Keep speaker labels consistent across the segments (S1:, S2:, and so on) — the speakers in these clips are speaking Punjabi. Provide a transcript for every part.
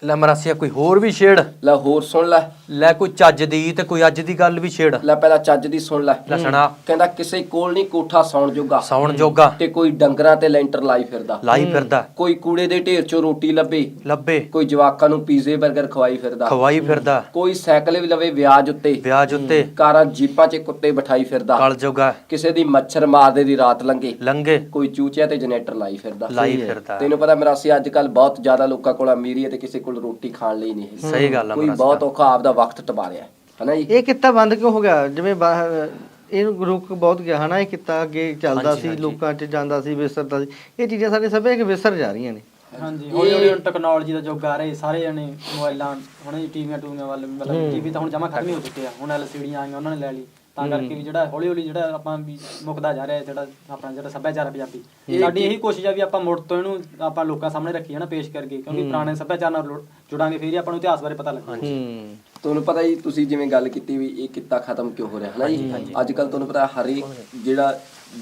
S1: ਲੈ ਮਰਾਸੀਆ ਕੋਈ ਹੋਰ ਵੀ ਛੇੜ
S2: ਲੈ ਹੋਰ ਸੁਣ ਲੈ
S1: ਕੋਈ ਚੱਜ ਦੀ ਤੇ ਕੋਈ ਅੱਜ ਦੀ ਗੱਲ ਵੀ ਛੇੜ
S2: ਲੈ ਪਹਿਲਾਂ ਚੱਜ ਦੀ ਸੁਣ ਲੈ
S1: ਸੁਣਾ
S2: ਕਹਿੰਦਾ ਕਿਸੇ ਕੋਲ ਨਹੀਂ ਕੋਠਾ
S1: ਸੌਣ ਜੋਗਾ
S2: ਤੇ ਕੋਈ ਡੰਗਰਾਂ ਤੇ ਲੈਂਟਰ ਲਾਈ ਫਿਰਦਾ ਕੋਈ ਕੂੜੇ ਦੇ ਢੇਰ ਚੋਂ ਰੋਟੀ ਲੱਭੇ ਕੋਈ ਜਵਾਕਾਂ ਨੂੰ ਪੀਜ਼ੇ 버ਗਰ ਖਵਾਈ ਫਿਰਦਾ ਕੋਈ ਸਾਈਕਲ ਵੀ ਲਵੇ ਵਿਆਜ ਉੱਤੇ ਕਾਰਾਂ ਜੀਪਾਂ 'ਚ ਕੁੱਤੇ ਬਿਠਾਈ ਫਿਰਦਾ
S1: ਕਲ ਜੋਗਾ
S2: ਕਿਸੇ ਦੀ ਮੱਛਰ ਮਾਰਦੇ ਦੀ ਰਾਤ
S1: ਲੰਗੇ
S2: ਕੋਈ ਚੂਚਿਆਂ ਤੇ ਜਨਰੇਟਰ ਲਾਈ ਫਿਰਦਾ
S1: ਫਿਰਦਾ
S2: ਤੈਨੂੰ ਪਤਾ ਮਰਾਸੀ ਅੱਜ ਕੱਲ ਬਹੁਤ ਜ਼ਿਆਦਾ ਲੋਕਾਂ ਕੋਲ ਅਮੀਰੀ ਹੈ ਤੇ ਕਿਸੇ ਕੋਲ ਰੋਟੀ ਖਾਣ ਲਈ ਨਹੀਂ ਹੈ।
S1: ਸਹੀ ਗੱਲ ਆ
S2: ਕੋਈ ਬਹੁਤ ਔਖਾ ਆਪਦਾ ਵਕਤ ਟਪਾ ਰਿਹਾ ਹਨਾ ਜੀ।
S3: ਇਹ ਕਿੱਤਾ ਬੰਦ ਕਿਉਂ ਹੋ ਗਿਆ? ਜਿਵੇਂ ਬਾਹਰ ਇਹਨੂੰ ਰੁਕ ਬਹੁਤ ਗਿਆ ਹਨਾ, ਇਹ ਕਿੱਤਾ ਅੱਗੇ ਚੱਲਦਾ ਸੀ, ਲੋਕਾਂ 'ਚ ਜਾਂਦਾ ਸੀ, ਵਿਸਰਦਾ ਸੀ। ਇਹ ਚੀਜ਼ਾਂ ਸਾਡੇ ਸਭੇ ਵਿਸਰ ਜਾ ਰਹੀਆਂ ਨੇ।
S4: ਹਾਂਜੀ ਹੌਲੀ ਹੌਲੀ ਹੁਣ ਟੈਕਨੋਲੋਜੀ ਦਾ ਯੁੱਗ ਆ ਰਿਹਾ, ਸਾਰੇ ਜਣੇ ਮੋਬਾਈਲਾਂ ਹੁਣ ਟੀਵੀਆਂ ਵੱਲ ਮਤਲਬ ਟੀਵੀ ਤਾਂ ਹੁਣ ਜਮਾ ਖਤਮ ਹੀ ਹੋ ਚੁੱਕੇ ਆ, ਹੁਣ LCD ਆਈਆਂ ਉਹਨਾਂ ਨੇ ਲੈ ਲਈ, ਤਾਂ ਕਰਕੇ ਵੀ ਜਿਹੜਾ ਹੌਲੀ ਹੌਲੀ ਜਿਹੜਾ ਆਪਾਂ ਵੀ ਮੁੱਕਦਾ ਜਾ ਰਿਹਾ ਜਿਹੜਾ ਆਪਣਾ ਜਿਹੜਾ ਸੱਭਿਆਚਾਰ ਪੰਜਾਬੀ। ਸਾਡੀ ਇਹੀ ਕੋਸ਼ਿਸ਼ ਆ ਵੀ ਆਪਾਂ ਮੁੜ ਤੋਂ ਇਹਨੂੰ ਆਪਾਂ ਲੋਕਾਂ ਸਾਹਮਣੇ ਰੱਖੀਏ ਨਾ, ਪੇਸ਼ ਕਰਕੇ, ਕਿਉਂਕਿ ਪੁਰਾਣੇ ਸੱਭਿਆਚਾਰ ਨਾਲ ਜੁੜਾਂਗੇ ਫਿਰ ਹੀ ਆਪਾਂ ਨੂੰ ਇਤਿਹਾਸ ਬਾਰੇ ਪਤਾ ਲੱਗਣਾ।
S2: ਤੁਹਾਨੂੰ ਪਤਾ ਜੀ, ਤੁਸੀਂ ਜਿਵੇਂ ਗੱਲ ਕੀਤੀ ਵੀ ਇਹ ਕਿੱਤਾ ਖਤਮ ਕਿਉਂ ਹੋ ਰਿਹਾ ਹਨਾ ਜੀ। ਅੱਜ ਕੱਲ ਤੁਹਾਨੂੰ ਪਤਾ ਹਰ ਇੱਕ ਜਿਹੜਾ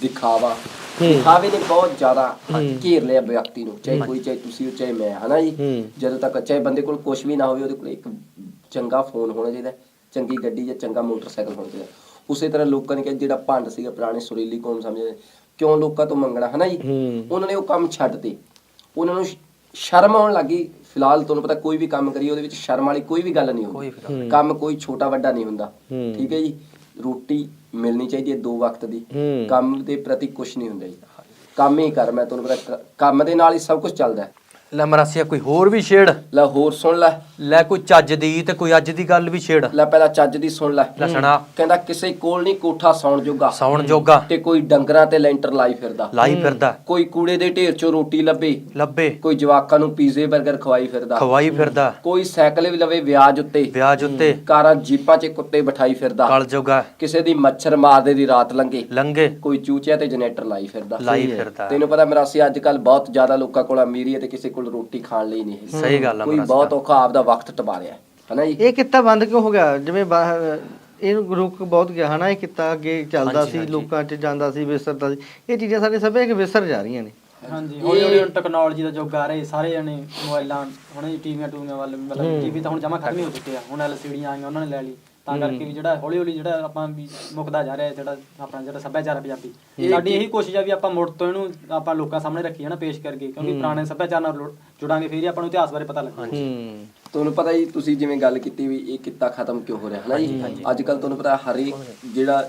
S2: ਦਿਖਾਵੇ ਨੇ ਬਹੁਤ ਜ਼ਿਆਦਾ ਘੇਰ ਲਿਆ ਵਿਅਕਤੀ ਨੂੰ, ਚਾਹੇ ਕੋਈ, ਚਾਹੇ ਤੁਸੀਂ ਹੋ, ਚਾਹੇ ਮੈਂ, ਹਨਾ ਜੀ। ਜਦੋਂ ਤੱਕ ਚਾਹੇ ਬੰਦੇ ਕੋਲ ਕੁਛ ਵੀ ਨਾ ਹੋਵੇ, ਉਹਦੇ ਕੋਲ ਇੱਕ ਚੰਗਾ ਫੋਨ ਹੋਣਾ ਚਾਹੀਦਾ, ਚੰਗੀ ਗੱਡੀ ਜਾਂ ਚੰਗਾ ਮੋਟਰਸਾਈਕਲ ਹੋਣਾ ਚਾਹੀਦਾ। ਉਸੇ ਤਰ੍ਹਾਂ ਲੋਕਾਂ ਨੇ ਕਿਹਾ ਜਿਹੜਾ ਭੰਡ ਸੀਗਾ ਪੁਰਾਣੇ ਸੁਰੀਲੀ ਕੌਮ ਸਮਝਦੇ ਕਿਉਂ ਲੋਕਾਂ ਤੋਂ ਮੰਗਣਾ ਹਨਾ ਜੀ, ਉਹਨਾਂ ਨੇ ਉਹ ਕੰਮ ਛੱਡ ਤੇ, ਉਹਨਾਂ ਨੂੰ ਸ਼ਰਮ ਆਉਣ ਲੱਗੀ। ਫਿਲਹਾਲ ਤੁਹਾਨੂੰ ਪਤਾ ਕੋਈ ਵੀ ਕੰਮ ਕਰੀਏ ਉਹਦੇ ਵਿੱਚ ਸ਼ਰਮ ਵਾਲੀ ਕੋਈ ਵੀ ਗੱਲ ਨਹੀਂ ਹੁੰਦੀ, ਕੰਮ ਕੋਈ ਛੋਟਾ ਵੱਡਾ ਨਹੀਂ ਹੁੰਦਾ, ਠੀਕ ਹੈ ਜੀ। ਰੋਟੀ ਮਿਲਣੀ ਚਾਹੀਦੀ ਹੈ 2 ਵਕਤ ਦੀ, ਕੰਮ ਦੇ ਪ੍ਰਤੀ ਕੁਛ ਨਹੀਂ ਹੁੰਦਾ ਜੀ। ਕੰਮ ਹੀ ਕਰ, ਮੈਂ ਤੁਹਾਨੂੰ ਪਤਾ ਕੰਮ ਦੇ ਨਾਲ ਹੀ ਸਭ ਕੁਝ ਚੱਲਦਾ ਹੈ।
S1: ਲੈ ਮਰਾਸੀਆ ਕੋਈ ਹੋਰ ਵੀ ਛੇੜ
S2: ਲੈ ਹੋਰ ਸੁਣ ਲੈ
S1: ਕੋਈ ਚੱਜ ਦੀ ਤੇ ਕੋਈ ਅੱਜ ਦੀ ਗੱਲ ਵੀ ਛੇੜ
S2: ਲੈ ਪਹਿਲਾਂ ਚੱਜ ਦੀ ਸੁਣ ਲੈ
S1: ਸੁਣਾ
S2: ਕਹਿੰਦਾ ਕਿਸੇ ਕੋਲ ਨਹੀਂ ਕੋਠਾ ਸੌਣ
S1: ਜੋਗਾ
S2: ਤੇ ਕੋਈ ਡੰਗਰਾਂ ਤੇ ਲੈਂਟਰ ਲਾਈ ਫਿਰਦਾ ਕੋਈ ਕੂੜੇ ਦੇ ਢੇਰ ਚੋਂ ਰੋਟੀ ਲੱਭੇ ਕੋਈ ਜਵਾਕਾਂ ਨੂੰ ਪੀਜ਼ੇ 버ਗਰ ਖਵਾਈ ਫਿਰਦਾ ਕੋਈ ਸਾਈਕਲ ਵੀ ਲਵੇ ਵਿਆਜ ਉੱਤੇ ਕਾਰਾਂ ਜੀਪਾਂ 'ਚ ਕੁੱਤੇ ਬਿਠਾਈ ਫਿਰਦਾ
S1: ਕਲ ਜੋਗਾ
S2: ਕਿਸੇ ਦੀ ਮੱਛਰ ਮਾਰਦੇ ਦੀ ਰਾਤ
S1: ਲੰਗੇ
S2: ਕੋਈ ਚੂਚਿਆਂ ਤੇ ਜਨਰੇਟਰ ਲਾਈ ਫਿਰਦਾ।
S1: ਫਿਰਦਾ
S2: ਤੈਨੂੰ ਪਤਾ ਮਰਾਸੀ ਅੱਜ ਕੱਲ ਬਹੁਤ ਜ਼ਿਆਦਾ ਲੋਕਾਂ ਕੋਲ ਅਮੀਰੀ ਹੈ ਤੇ ਕਿਸੇ ਕੋਲ ਰੋਟੀ ਖਾਣ ਲਈ ਨਹੀਂ ਹੈ।
S1: ਸਹੀ ਗੱਲ ਆ
S2: ਕੋਈ ਬਹੁਤ ਔਖਾ ਆਪਦਾ ਵਕਤ ਟਪਾ ਰਿਹਾ ਹਨਾ ਜੀ।
S3: ਇਹ ਕਿੱਤਾ ਬੰਦ ਕਿਉਂ ਹੋ ਗਿਆ? ਜਿਵੇਂ ਬਾਹਰ ਇਹਨੂੰ ਰੁਕ ਬਹੁਤ ਗਿਆ ਹਨਾ, ਇਹ ਕਿੱਤਾ ਅੱਗੇ ਚੱਲਦਾ ਸੀ, ਲੋਕਾਂ 'ਚ ਜਾਂਦਾ ਸੀ, ਵਿਸਰਦਾ ਸੀ। ਇਹ ਚੀਜ਼ਾਂ ਸਾਡੇ ਸਭੇ ਵਿਸਰ ਜਾ ਰਹੀਆਂ ਨੇ।
S4: ਹਾਂਜੀ ਹੌਲੀ ਹੌਲੀ ਹੁਣ ਟੈਕਨੋਲੋਜੀ ਦਾ ਯੁੱਗ ਆ ਰਿਹਾ, ਸਾਰੇ ਜਣੇ ਮੋਬਾਈਲਾਂ ਹੁਣ ਟੀਵੀਆਂ ਵੱਲ ਮਤਲਬ ਟੀਵੀ ਤਾਂ ਹੁਣ ਜਮਾ ਖਤਮ ਹੀ ਹੋ ਚੁੱਕੇ ਆ, ਹੁਣ LCD ਆਈਆਂ ਉਹਨਾਂ ਨੇ ਲੈ ਲਈ, ਤਾਂ ਕਰਕੇ ਵੀ ਜਿਹੜਾ ਹੌਲੀ ਹੌਲੀ ਜਿਹੜਾ ਆਪਾਂ ਵੀ ਮੁੱਕਦਾ ਜਾ ਰਿਹਾ ਜਿਹੜਾ ਆਪਣਾ ਜਿਹੜਾ ਸੱਭਿਆਚਾਰ ਪੰਜਾਬੀ। ਸਾਡੀ ਇਹੀ ਕੋਸ਼ਿਸ਼ ਆ ਵੀ ਆਪਾਂ ਮੁੜ ਤੋਂ ਇਹਨੂੰ ਆਪਾਂ ਲੋਕਾਂ ਸਾਹਮਣੇ ਰੱਖੀਏ ਨਾ, ਪੇਸ਼ ਕਰਕੇ, ਕਿਉਂਕਿ ਪੁਰਾਣੇ ਸੱਭਿਆਚਾਰ ਨਾਲ ਜੁੜਾਂਗੇ ਫਿਰ ਹੀ ਆਪਾਂ ਨੂੰ ਇਤਿਹਾਸ ਬਾਰੇ ਪਤਾ ਲੱਗਣਾ।
S2: ਤੁਹਾਨੂੰ ਪਤਾ ਜੀ, ਤੁਸੀਂ ਜਿਵੇਂ ਗੱਲ ਕੀਤੀ ਵੀ ਇਹ ਕਿੱਤਾ ਖਤਮ ਕਿਉਂ ਹੋ ਰਿਹਾ ਹਨਾ ਜੀ। ਅੱਜ ਕੱਲ ਤੁਹਾਨੂੰ ਪਤਾ ਹਰ ਇੱਕ ਜਿਹੜਾ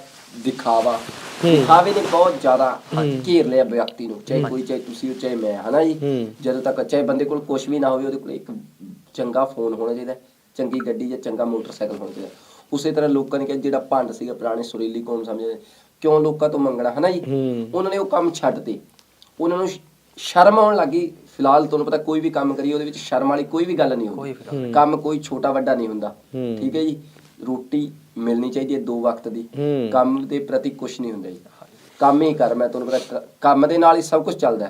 S2: ਦਿਖਾਵੇ ਨੇ ਬਹੁਤ ਜ਼ਿਆਦਾ ਘੇਰ ਲਿਆ ਵਿਅਕਤੀ ਨੂੰ, ਚਾਹੇ ਕੋਈ, ਚਾਹੇ ਤੁਸੀਂ ਹੋ, ਚਾਹੇ ਮੈਂ, ਹਨਾ ਜੀ। ਜਦੋਂ ਤੱਕ ਚਾਹੇ ਬੰਦੇ ਕੋਲ ਕੁਛ ਵੀ ਨਾ ਹੋਵੇ, ਉਹਦੇ ਕੋਲ ਇੱਕ ਚੰਗਾ ਫੋਨ ਹੋਣਾ ਚਾਹੀਦਾ, ਚੰਗੀ ਗੱਡੀ ਜਾਂ ਚੰਗਾ ਮੋਟਰਸਾਈਕਲ ਹੋਣਾ ਚਾਹੀਦਾ। ਉਸੇ ਤਰ੍ਹਾਂ ਲੋਕਾਂ ਨੇ ਕਿਹਾ ਜਿਹੜਾ ਭੰਡ ਸੀਗਾ ਪੁਰਾਣੇ ਸੁਰੀਲੀ ਕੌਮ ਸਮਝਦੇ ਕਿਉਂ ਲੋਕਾਂ ਤੋਂ ਮੰਗਣਾ ਹਨਾ ਜੀ, ਉਹਨਾਂ ਨੇ ਉਹ ਕੰਮ ਛੱਡ ਤੇ, ਉਹਨਾਂ ਨੂੰ ਸ਼ਰਮ ਆਉਣ ਲੱਗੀ। ਫਿਲਹਾਲ ਤੁਹਾਨੂੰ ਪਤਾ ਕੋਈ ਵੀ ਕੰਮ ਕਰੀਏ ਉਹਦੇ ਵਿੱਚ ਸ਼ਰਮ ਵਾਲੀ ਕੋਈ ਵੀ ਗੱਲ ਨਹੀਂ ਹੁੰਦੀ, ਕੰਮ ਕੋਈ ਛੋਟਾ ਵੱਡਾ ਨਹੀਂ ਹੁੰਦਾ, ਠੀਕ ਹੈ ਜੀ। ਰੋਟੀ ਮਿਲਣੀ ਚਾਹੀਦੀ ਹੈ 2 ਵਕਤ ਦੀ, ਕੰਮ ਦੇ ਪ੍ਰਤੀ ਕੁਛ ਨਹੀਂ ਹੁੰਦਾ ਜੀ। ਕੰਮ ਹੀ ਕਰ, ਮੈਂ ਤੁਹਾਨੂੰ ਪਤਾ ਕੰਮ ਦੇ ਨਾਲ ਹੀ ਸਭ ਕੁਝ ਚੱਲਦਾ।